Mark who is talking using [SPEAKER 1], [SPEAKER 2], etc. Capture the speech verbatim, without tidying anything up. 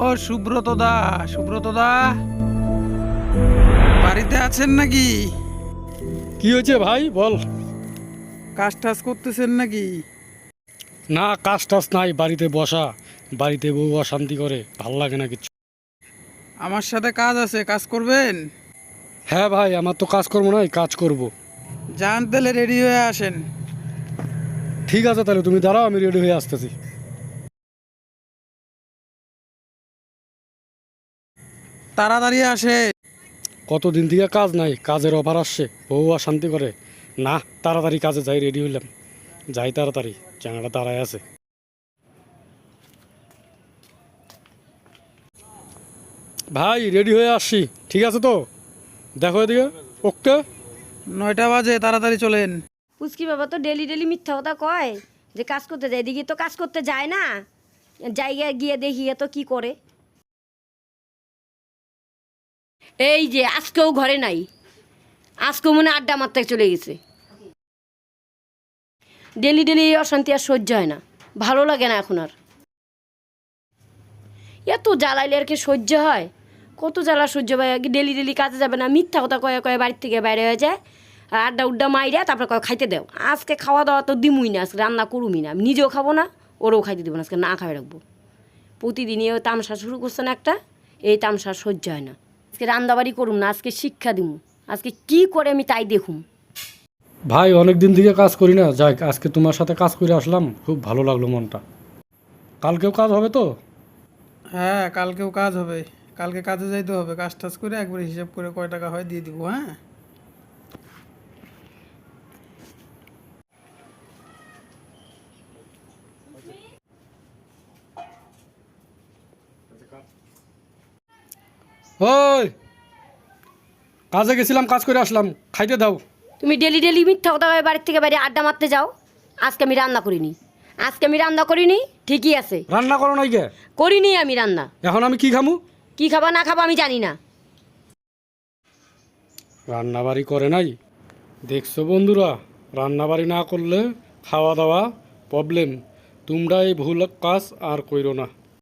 [SPEAKER 1] সুব্রত দা, সুব্রত দা বাড়িতে আছেন নাকি?
[SPEAKER 2] কি হয়েছে ভাই বল।
[SPEAKER 1] কাজ টাজ করতেছেন নাকি?
[SPEAKER 2] না, কাজ টাজ নাই, বাড়িতে বসা, বাড়িতে বউ অশান্তি করে, ভাল লাগে না কিছু।
[SPEAKER 1] আমার সাথে কাজ আছে, কাজ করবেন?
[SPEAKER 2] হ্যাঁ ভাই, আমার তো কাজ করবো নাই, কাজ করব।
[SPEAKER 1] যান তাহলে রেডি হয়ে আসেন।
[SPEAKER 2] ঠিক আছে, তাহলে তুমি দাঁড়াও, আমি রেডি হয়ে আসতেছি।
[SPEAKER 1] তাড়াতাড়ি আসে।
[SPEAKER 2] কতদিন থেকে কাজ নাই, কাজের অফার আসছে, বউ অশান্তি করে। না, তাড়াতাড়ি কাজে যাই, রেডি হইলাম, যাই তাড়াতাড়ি, জানাটা দাঁড়ায় আছে। ভাই রেডি হয়ে আসছি, ঠিক আছে তো? দেখো এদিকে। ওকে,
[SPEAKER 1] নয়টা বাজে, তাড়াতাড়ি চলেন।
[SPEAKER 3] পুচকি বাবা তো ডেলি ডেলি মিথ্যা কথা কয় যে কাজ করতে যায়, এদিকে তো কাজ করতে যায় না। জায়গায় গিয়ে দেখি তো কি করে। এই যে আজকেও ঘরে নাই, আজকেও মনে আড্ডা মারতে চলে গেছে। ডেলি ডেলি এই অশান্তি আর সহ্য হয় না, ভালো লাগে না এখন আর। এত জ্বালাইলে আর কি সহ্য হয়? কত জ্বালা সহ্য হয়? ডেলি ডেলি কাজে যাবে না, মিথ্যা কথা কয়ে কয়ে বাড়ির থেকে বাইরে হয়ে যায়, আর আড্ডা উড্ডা মাইরা তারপরে কয় খাইতে দেও। আজকে খাওয়া দাওয়া তো দিমুই না, আজকে রান্না করুমি না, আমি নিজেও খাবো না, ওরও খাইতে দেবো না, আজকে না খাওয়াই রাখবো। প্রতিদিনই ওই তামসা শুরু করছে না একটা, এই তামসা সহ্য হয় না। আজকে রান্নাবাড়ি করুম না, আজকে শিক্ষা দিমু, আজকে কি করে আমি তাই দেখুম।
[SPEAKER 2] ভাই অনেক দিন থেকে কাজ করি না, যাই আজকে তোমার সাথে কাজ করে আসলাম, খুব ভালো লাগলো মনটা। কালকেও কাজ হবে তো?
[SPEAKER 1] হ্যাঁ, কালকেও কাজ হবে। কালকে কাজে যাইতে হবে, কাজ টাজ করে একবার হিসাব করে কয় টাকা হয় দিয়ে দিব। হ্যাঁ,
[SPEAKER 2] ওই কাজে গেছিলাম, কাজ করে আসলাম, খাইতে দাও।
[SPEAKER 3] তুমি ডেলি ডেলি মিথ্যা কথা কয়ে বাড়ির থেকে বাইরে আড্ডা মারতে যাও। আজকে আমি রান্না করিনি, আজকে আমি রান্না করিনি, ঠিকই আছে।
[SPEAKER 2] রান্না করো নাই কে?
[SPEAKER 3] করিনি আমি রান্না।
[SPEAKER 2] এখন আমি কি খামু?
[SPEAKER 3] কি খাবা না খাবা আমি জানি না।
[SPEAKER 2] রান্না বাড়ি করে নাই? দেখছো বন্ধুরা, রান্না বাড়ি না করলে খাওয়া দাওয়া প্রবলেম। তোমরা এই ভুল কাজ আর কইরো না।